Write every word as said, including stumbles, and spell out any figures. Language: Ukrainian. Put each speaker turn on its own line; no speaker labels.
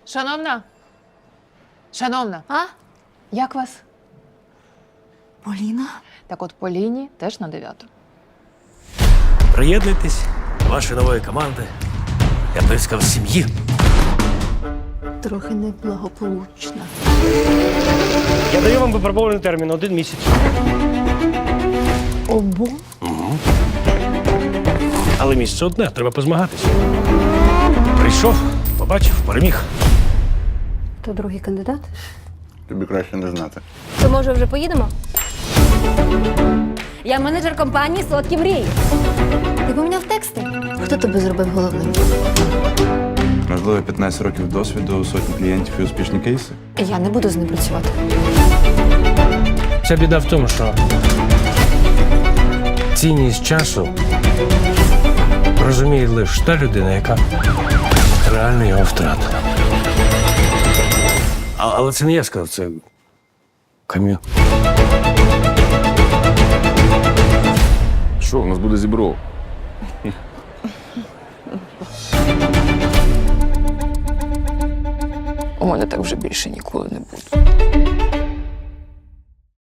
Шановна? Шановна,
А?
як вас?
Поліна?
Так от по лінії теж на дев'яту.
Приєднуйтесь до вашої нової команди. Я б сказав, сім'ї.
Трохи неблагополучна.
Я даю вам випробований термін один місяць.
Обо?
Але місце одне, треба позмагатися. Прийшов, побачив, переміг.
То другий кандидат?
Тобі краще не знати.
То може вже поїдемо? Я менеджер компанії «Солодкі мрії». Ти поміняв тексти? Хто тебе зробив головним?
Можливо, п'ятнадцять років досвіду, сотні клієнтів і успішні кейси.
Я не буду з ним працювати.
Ця біда в тому, що цінність часу розуміє лише та людина, яка реально його втратила. А, але це не я сказав, це Кам'ю.
Що, у нас буде зібро?
У мене так вже більше ніколи не буде.